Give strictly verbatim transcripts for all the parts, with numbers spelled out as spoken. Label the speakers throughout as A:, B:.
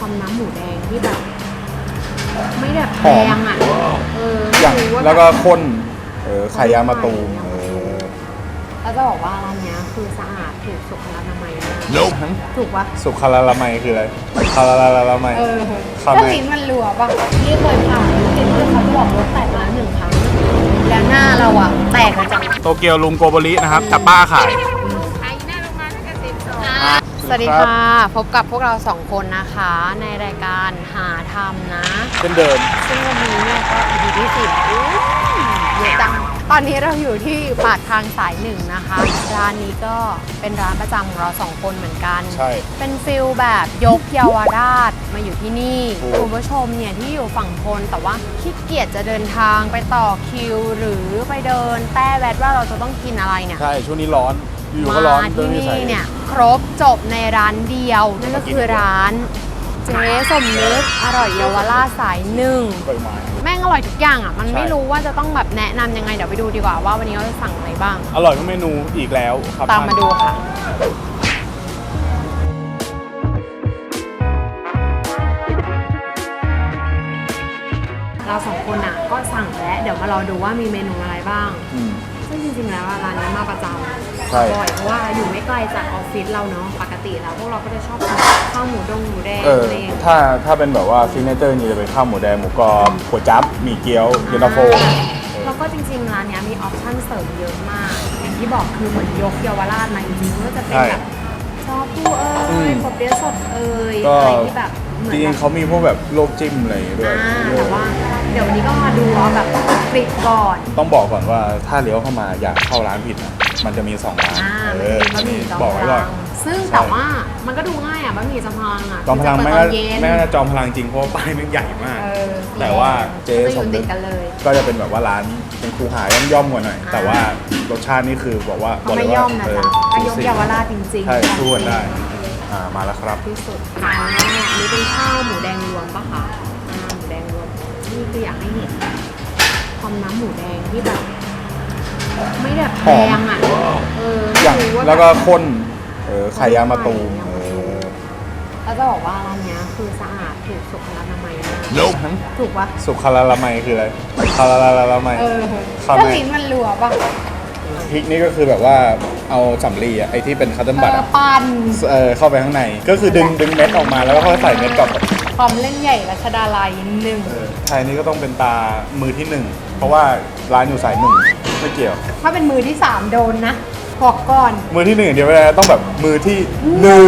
A: ความน้ำหมูแดงที่แบบไม่แบบแพงอ่ะเออ
B: อย่างแล้วก็ข้นเออไข่ยางมะตูมเออ
A: แล้วจะบอกว่าร้านนี้คือสะอาดถูกสุขอนามัยมาก
B: nope
A: ถูกปะ
B: สุขลาละไมคืออะไรคาลาลาละไม
A: เออถ้าลิ้นมันรัวป่ะนี่เคยผ่านเห็นเพื่อนเขาบอกรถแตกมาหนึ่งครั้งแล้วหน้าเราอ่ะแตกมาจาก
B: โตเกียวลุงโกโบรินะครับแต่ป้าขาย
A: สวัสดีค่ะพบกับพวกเราสองคนนะคะในรายการหาทำนะ
B: เช่นเดิม
A: ซึ่งวันนี้เนี่ยก็ อี พี ที่สิบเยอะจังตอนนี้เราอยู่ที่ปากทางสายหนึ่งนะคะร้านนี้ก็เป็นร้านประจำของเราสองคนเหมือนกัน
B: ใช่
A: เป็นฟิลแบบยกเยาวราชมาอยู่ที่นี่คุณผู้ชมเนี่ยที่อยู่ฝั่งทนแต่ว่าขี้เกียจจะเดินทางไปต่อคิวหรือไปเดินแต้แวดว่าเราจะต้องกินอะไรเนี่ย
B: ใช่ช่วงนี้ร้อนอยู่ก็ร้อน
A: ที่นี่เนี่ยครบจบในร้านเดียวนั่นก็คือร้านเจ๊สมนึกอร่อยเยาวราชสายหนึ่งแม่งอร่อยทุกอย่างอ่ะมันไม่รู้ว่าจะต้องแบบแนะนำยังไงเดี๋ยวไปดูดีกว่าว่าวันนี้เราจะสั่งอะไรบ้าง
B: อร่อยทุกเมนูอีกแล้วครับ
A: ตามมาดูค่ะเราสองคนอ่ะก็สั่งแล้วเดี๋ยวมารอดูว่ามีเมนูอะไรบ้างซึ่งจริงๆแล้วร้านนี้มาประจำบ่อยเพราะว่าอยู่ไม่ไกลจากออฟฟิศเราเนาะปกติแล้วพวกเราก็จะชอบกินข้าวหมูดงหมูแดงอะไรอย่างเงี้ย
B: ถ้าถ้าเป็นแบบว่าซิกเนเจอร์นี่จะเป็นข้าวหมูแดงหมูกรอบก๋วยจั๊บหมี่เกี๊ยวเย็นตาโฟ
A: แล้วก็จริงๆร้านนี้มีออปชั่นเสริมเยอะมากอย่างที่บอกคือเหมือนยกเยาวราชมาจริงๆก็จะเป็นแบบชอปูเอ้ยปอเปี๊ยะสดเอ้ยอะไรที่แบบ
B: จริงๆเขามีพวกแบบโลกจิ้มอะไรด้วย
A: แต่ว่าเดี๋ยววันนี้ก็มาดูเอาแบบกริบก่อน
B: ต้องบอกก่อนว่าถ้าเลี้ยวเข้ามาอยากเข้าร้านผิดนะมันจะมีสองร้าน
A: เออบะหมี่จอมพลังซึ่งแต่ว่ามันก็ดูง่ายอ่ะบะหมี่จอมพลังอ่ะ
B: จอมพลังไม่ก็ไม่ก็จอมพลังจริงเพราะว่าป้ายมันใหญ่มากแต่ว่าเจ๊สมนึกก็จะเป็นแบบว่าร้านเป็นคูหาย่อมๆกว่าหน่อยแต่ว่ารสชาตินี่คือบอกว่า
A: บอกเลยว่าเออยกเยาวราชจริงๆ
B: ใช่สู้กันได้อ่ามาแล้วครับ
A: ที่สุดอันนี้เป็นข้าวหมูแดงรวมปะคะอ่าหมูแดงรวมนี่คืออยากให้เห็นความน้ำหมูแดงที่แบบไม่แบบแพงอ่ะเออ
B: อย่างแล้วก็ข้นเออไข่ยางมะตูมเออ
A: แล้วจะบอกว่าร้านนี้คือสะอาดถูกสุขอนามัยมากถูกปะ
B: สุขลาละไมคืออะไรคาลาลาละไม
A: เออถ้าลิ้นมันรัวปะ
B: พริกนี่ก็คือแบบว่าเอาสำลีอะไอที่เป็นคัตเติ้ลบัตอะ
A: ปั่น
B: เออเข้าไปข้างในก็คือดึงดึงเม็ดออกมาแล้วก็ค่อยใส่เม็ดกลับ
A: ความเล่นใหญ่รัชดาลัยหนึ่ง
B: ไทยนี่ก็ต้องเป็นตามือที่หนึ่งเพราะว่าร้านอยู่สายหนึ่งไม่เกี่ยว
A: ถ้าเป็นมือที่สามโดนนะบอกก่อน
B: มือที่หนึ่งเดียวไม่ได้ต้องแบบมือที่หนึ่ง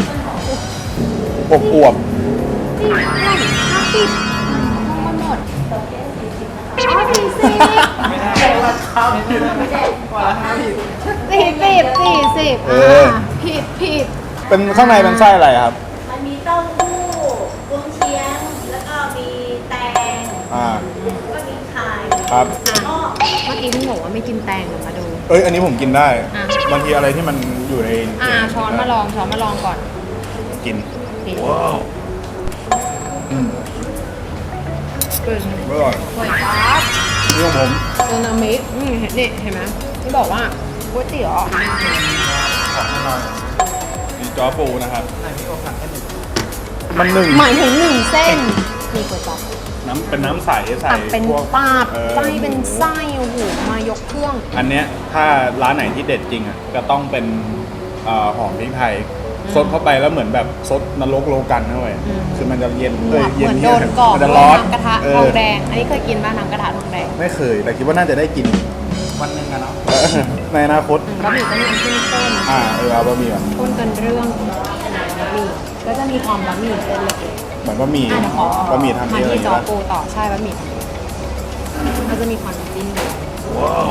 B: อบอวบ
A: ติดไหนห้าปิดมองมาหมดอ๋อสี่สิบไม่ได้ราคาผิดกว่าราคาผิดสี่สิบสี่สิบอ่าผิดผิด
B: เป็นข้างในเป็นไส้อะไรครับ
C: มันมีเต้าหู้กุ้งเชียงแล้วก็มีแตง
B: อ่า
C: ก็มีไข่
B: ครับ
A: เมื่อกี้พี่บอกว่าไม่กินแตงมาดู
B: เอ้ยอันนี้ผมกินได้บางทีอะไรที่มันอยู่ใน
A: อ่าช้อนมาลองช้อนมาลองก่อน
B: กินว้าวอืม
A: เกิน
B: อร่อย
A: อร่อยครับ
B: นี่ของผม
A: โซนามิอืมเห็นนี่เห็นไหมที่บอกว่าก๋วยเตี๋ยว
B: ของหน่อยมีจ้อปูนะครับมันหนึ่ง
A: หมายถึงหนึ่งเส้นมีก๋วยจั๊บ
B: น้ำเป็นน้ำใสใส่
A: เป็นปาบไส้เป็นไส้โอ้โหมายกเครื่อง
B: อันเนี้ยถ้าร้านไหนที่เด็ดจริงอ่ะก็ต้องเป็นหอมพริกไทยซดเข้าไปแล้วเหมือนแบบซดนรกโลกันเข้าไปคือมันจะเย็น
A: เลยเย็นเย็นมันจะร้อนน้ำกระทะทองแดงอันนี้เคยกินบ้างน้ำกระทะทองแดง
B: ไม่เคยแต่คิดว่าน่าจะได้กินวันหนึ่งกันเนาะในอนาคต
A: บะหมี่ก็มีน้ำจิ้มข้น
B: อ่าเออเอาบะหมี่แบบ
A: ข้นกันเรื่องบะหมี่ก็จะมีความบะหมี่เป็นเล็ก
B: เหมือนบะหมี่บะหมี่ทำเอง
A: มาที่จอปูต่อใช่บะหมี่ก็จะมีความจิ้มว้าว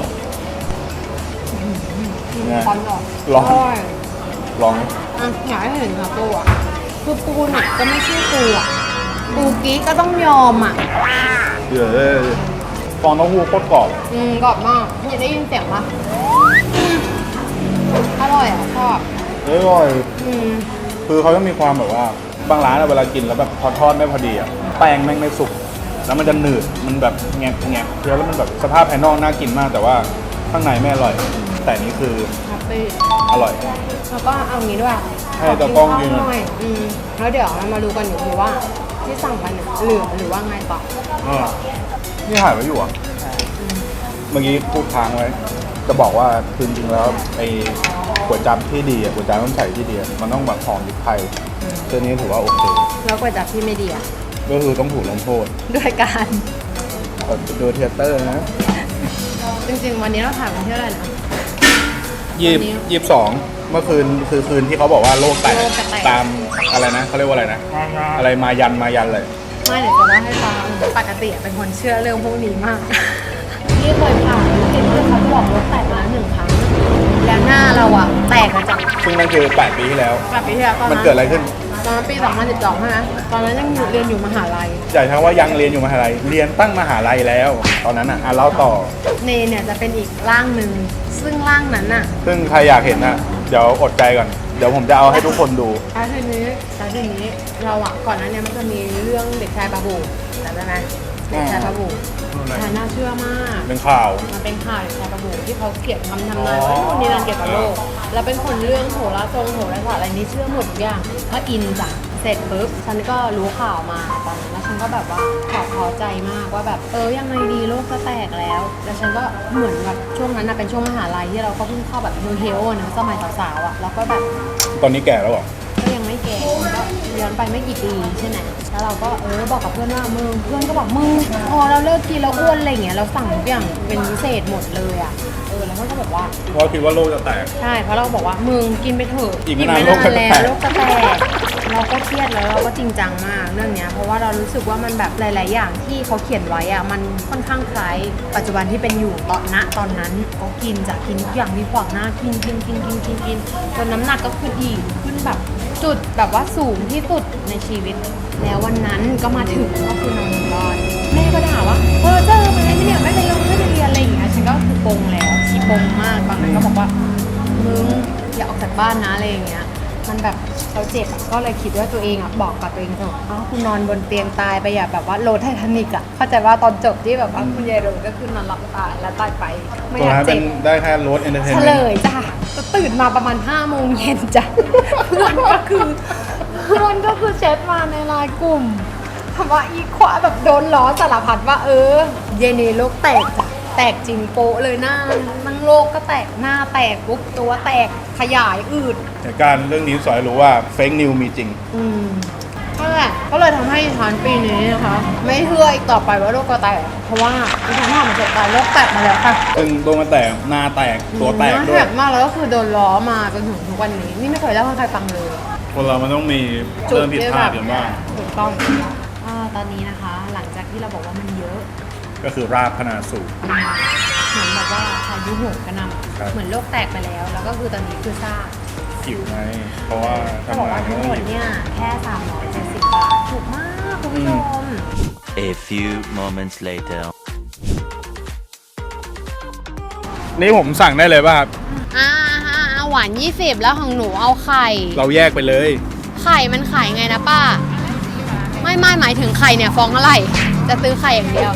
A: ร้อนหรอ
B: ร้อนร้อน
A: อ่ะอยากให้เห็นค่ะปูอ่ะคือปูหนักก็ไม่ใช่ปูอ่ะปูกี้ก็ต้องยอมอ่ะ
B: เดี๋ยวฟองเต้าหู้โคตรกรอบ
A: อืมกรอบมากพี่ได้ยินเสียงปะอร่อยอ่ะชอบ
B: อร่อยอืมคือเขาจะมีความแบบว่าบางร้านเวลากินแล้วแบบพอทอดไม่พอดีอ่ะแป้งแม่งไม่สุกแล้วมันจะหนืดมันแบบแงบแงบเคี้ยวแล้วมันแบบสภาพภายนอกน่ากินมากแต่ว่าข้างในไม่อร่อย แต่นี่คือ
A: แฮปปี้
B: อร่อย
A: แล้วก็เอางี้ด้วย
B: ให้ตากล้องกิน
A: หน่อยอืมแล้วเดี๋ยวเรามาดูกันอยู่ทีว่าที่สั่งไปเนี่ยเหลือหรือว่าไงต่อ
B: อ่านี่ถ่ายไว้อยู่อ่ะ เมื่อกี้พูดค้างไว้ จะบอกว่าคือจริงๆแล้วไอ้ก๋วยจั๊บที่ดีอ่ะก๋วยจั๊บน้ำใสที่ดีอะมันต้องแบบหอมพริกไทยตัวนี้ถือว่าโอเค
A: แล้วก๋วยจั๊บที่ไม่ดีอ่ะ
B: ก็คือต้องถูกลงโทษ
A: ด้วยการ
B: ดูเทเตอร์นะ
A: จริงๆ วันนี้เราถ่ายวันที่เท่าไหร่นะ
B: ยี่สิบยี่สิบสองเมื่อคืนคือคืนที่เขาบอกว่าโลกแตก
A: โลกจะแตก
B: ตามอะไรนะเขาเรียกว่าอะไรนะ อะไรมายันมายันเลย
A: ไม่เดี๋ยวจะเล่าให้ฟังปกติเป็นคนเชื่อเรื่องพวกนี้มากที่เคยผ่านเห็นเพื่อนเขาจะบอกรถแตกมาแล้วหนึ่งครั้ง แล้วหน้าเราอะแตกมาจาก
B: ซึ่งนั่นคือแปดปีที่แล้ว
A: กลับปีที่แล้วตอน
B: มัน
A: นั้น
B: เกิดอะไรขึ้น
A: ตอนนั้นปีสองพันสิบสองใช่ไหมตอนนั้นยังอยู่เรียนอยู่มหาลัย
B: อย่าใช้ว่ายังเรียนอยู่มหาลัยเรียนตั้งมหาลัยแล้ว ตอนนั้นอ่ะอ่ะเล่าต่อ
A: เนเนี่ยจะเป็นอีกร่างหนึ่งซึ่งร่างนั้นอะ
B: ซึ่งใครอยากเห็นนะเดี๋ยวอดใจก่อน เดี๋ยวผมจะเอาให้ทุกคนดู
A: แล้วทีนี้แล้วทีนี้เราอะก่อนหน้านี้มันจะมีเรื่องเด็กชายบาบูจำได้ไหมเด็กชายบาบูแต่น่าเชื่อมาก
B: เป็นข่าว
A: มันเป็นข่าวเด็กชายบาบูที่เขาเขียนคำทำนายว่านู่นนี่นั่นเกี่ยวกับโลก แล้วเป็นคนเรื่องโหราทรงโหราศาสตร์อะไรนี้เชื่อหมดทุกอย่างก็อินจ้ะเสร็จปุ๊บฉันก็รู้ข่าวมาตอนนั้นแล้วฉันก็แบบว่าขอบพอใจมากว่าแบบเออยังไงดีโลกจะแตกแล้ว แล้วฉันก็เหมือนแบบช่วงนั้นนะเป็นช่วงมหาลัยที่เราก็เพิ่งเข้าแบบนิวเฮลนะสมัยสาวๆอ่ะแล้วก็แบบ
B: ตอนนี้แก่แล้วเหรอ
A: ก็ยังไม่แก่ก็ย้อนไปไม่กี่ปีใช่ไหมแล้วเราก็เออบอกกับเพื่อนว่ามึงเพื่อนก็บอกมึงพอเราเลิกกินเราอ้วนอะไรอย่างเงี้ยเราสั่งทุกอย่างเป็นพิเศษหมดเลยอ่ะเออแล้วเพื่อนก็บอกว่า
B: เพราะคิดว่าโลกจะแตก
A: ใช่เพราะเราบอกว่ามึงกินไปเถอะ
B: อีกไม่นาน
A: ไม่
B: โลกจะแตก
A: แล้วโลกจะแตกเราก็เครียดแล้วเราก็จริงจังมากเรื่องเนี้ยเพราะว่าเรารู้สึกว่ามันแบบหลาย ๆ อย่างที่เขาเขียนไว้อ่ะมันค่อนข้างคล้ายปัจจุบันที่เป็นอยู่ตอนณตอนนั้นก็กินจะกินทุกอย่างที่ขวางหน้ากินกินกินกินกินกินจนน้ำหนักก็ขึ้นอีกขึ้นแบบจุดแบบว่าสูงที่สุดในชีวิต แล้ววันนั้นก็มาถึงก็คือนอนรอดแม่ก็ด่าว่าเออเจอมาเลยเนี่ยไม่ไปลงไม่ไปเรียนอะไรอย่างเงี้ยฉันก็คือปงแล้วขี้ปงมากตอนนั้นก็บอกว่ามึงอย่าออกจากบ้านนะอะไรอย่างเงี้ยมันแบบเราเจ็บอะก็เลยคิดว่าตัวเองอ่ะบอกกับตัวเองเถอะอ้าวคุณนอนบนเตียงตายไปอย่าแบบว่าโรถไททานิกอ่ะเข้าใจว่าตอนจบที่แบบว่าคุณยายโรก็คือนอนหลับตายแล้วตายไปไม่
B: ตัว
A: อยาก
B: นั้นเป็
A: เจ็
B: น
A: บ
B: ได้แค่รถเอนเตอร์เทน
A: เฉ
B: เมน
A: ล
B: ต์
A: ยจ้ะจะตื่นมาประมาณห้าโมงเย็นจ้ะเพื่อนก็คือเพื่อนก็คือแชทมาในไลน์กลุ่มคำว่าอีควาแบบโดนล้อสารพัดว่าเออ เยเนโลกแตกจ้ะแตกจริงโปะเลยหน้านั่งโลกก็แตกหน้าแตกปุ๊บตัวแตกขยายอืด
B: เหตุการณ์เรื่องนี้สอนให้รู้ว่าเฟกนิวมีจริง
A: อืมนั่นแหละก็เลยทำให้ดิฉันปีนี้นะคะ ไม่เชื่ออีกต่อไปว่าโลกจะแตกเพราะว่าดิฉันทำมาจากการโลกแตกมาแล้วค่ะ
B: ซึ่งตัวมันแตกหน้าแตกตัวแตก
A: น่า
B: ด้ว
A: แห
B: ย
A: กมากแล้วก็คือโดนล้อมาจนถึงทุกวันนี้ นี่ไม่เคยเล่าให้ใครฟังเลย
B: คนเรามันต้องมีเรื่องผิดพลาดกันบ้าง
A: ถูกต้องอ่าตอนนี้นะคะ หลังจากที่เราบอกว่ามันเยอะ
B: ก็คือราบพนาสูตร
A: เหมือนแบบว่าพายุโหมกระหน
B: ครับ
A: ำเหมือนโลกแตกไปแล้ว แล้วก็คือตอนนี้คือซาก
B: หิวไงเพราะว่า
A: เขาบอก
B: ทำงา
A: ว่าน ทั้งหมด
B: หิว
A: เนี่ยแค่สามร้อยเจ็ดสิบบาทถูกมากคุณผู้ชม
D: A few moments later.
B: นี่ผมสั่งได้เลยป่ะครับ
A: อ่าเอาหวานยี่สิบแล้วของหนูเอาไข่
B: เราแยกไปเลย
A: ไข่มันขายไงนะป้า ไม่ไม่หมายถึงไข่เนี่ยฟองอะไร จะซื้อไข่อย่างเดียว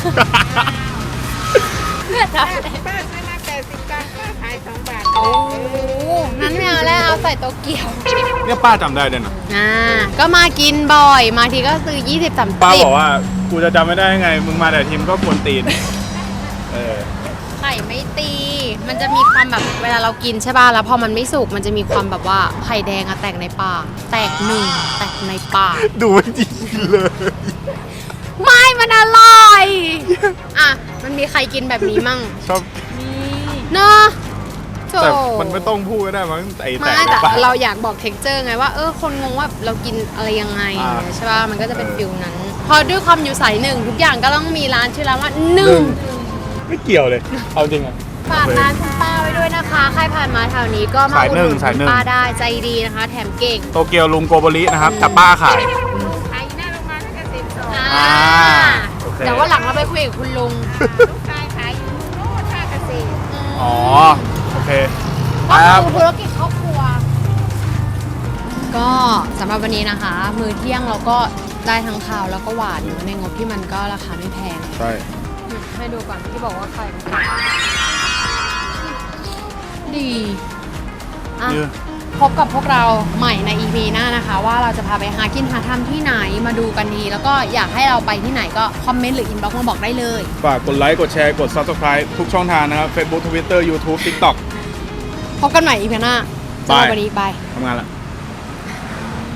E: ป้าซื้อมาแปดสิบบาทป้าขายสองบาท
A: โอ้นั้นไม่เอาแล้วเอาใส่โตเกียว
B: เนี่ยป้าจำได้ด้วยนะ
A: อ่าก็มากินบ่อย มาทีก็ซื้อยี่สิบ สามสิบ
B: ป้าบอกว่ากูจะจำไม่ได้ยังไง มึงมาแต่ทีมก็กวนตีน เออ
A: ไข่ไม่ตี มันจะมีความแบบเวลาเรากินใช่ป่ะ แล้วพอมันไม่สุก มันจะมีความแบบว่าไข่แดงอะแตกในปาก แตกหนึ่งแตกในปาก
B: ดูไม่ดีเลย
A: ไม่ มันอร่อย อ่ะ มันมีใครกินแบบนี้มั่ง
B: ชอบ
A: เนอะโถ
B: แต่มันไม่ต้องพูดก็ได้มั้งไอ้แต่
A: ไม่
B: ใน
A: แต่
B: ปาก
A: เราอยากบอกเท็กเจอร์ไงว่าเออคนงงว่าเรากินอะไรยังไง
B: อ่า
A: ใช่ป่ะมันก็จะเป็น
B: เออ
A: ฟิลนั้น พอด้วยความอยู่สายหนึ่งทุกอย่างก็ต้องมีร้านชื่อร้านว่าห
B: ห
A: นึ่
B: นึ่
A: ง
B: งไม่เกี่ยวเลย เอาจริงอ่ะ
A: ฝากร้านคุณป้าไว้ด้วยนะคะ ใครผ่านมาแถวนี้ก็มา
B: สาย
A: อุด
B: ห
A: ห
B: นึ่
A: นุ
B: ง
A: น
B: สายหนึ่ง
A: ป้าได้ใจดีนะคะ แถมเก่ง
B: โตเกียวลุงโกโบรินะครับแต่ป้าขาย
E: ขายหน้าโรงพยาบาลตั้งแต่สิบสอง
A: อ่า
B: อ่าโอเค
A: เดี๋ยววันหลังเราไปคุยกับคุณลุง
E: ลูกชายขายอยู่โน่นท่าเกษตร
B: อ๋อ โอเค
A: ก็
B: ครับ
A: คือธุรกิจครอบครัว ก็สำหรับวันนี้นะคะ มื้อเที่ยงเราก็ได้ทั้งข้าวแล้วก็หวานในงบที่มันก็ราคาไม่แพง
B: ใช่
A: ให้ดูก่อนที่บอกว่าไข่มันดีอ่ะ
B: เนี่ย
A: พบกับพวกเราใหม่ใน อี พี หน้านะคะ ว่าเราจะพาไปหากินหาทำที่ไหนมาดูกันดีแล้วก็อยากให้เราไปที่ไหนก็คอมเมนต์หรืออินบ็อกซ์มาบอกได้เลย
B: ฝากกดไลค์ กดแชร์ กด Subscribe ทุกช่องทางนะครับ Facebook Twitter YouTube TikTok
A: พบกันใหม่ อี พี หน้าสำหรับวันนี้บาย
B: ทำงานละ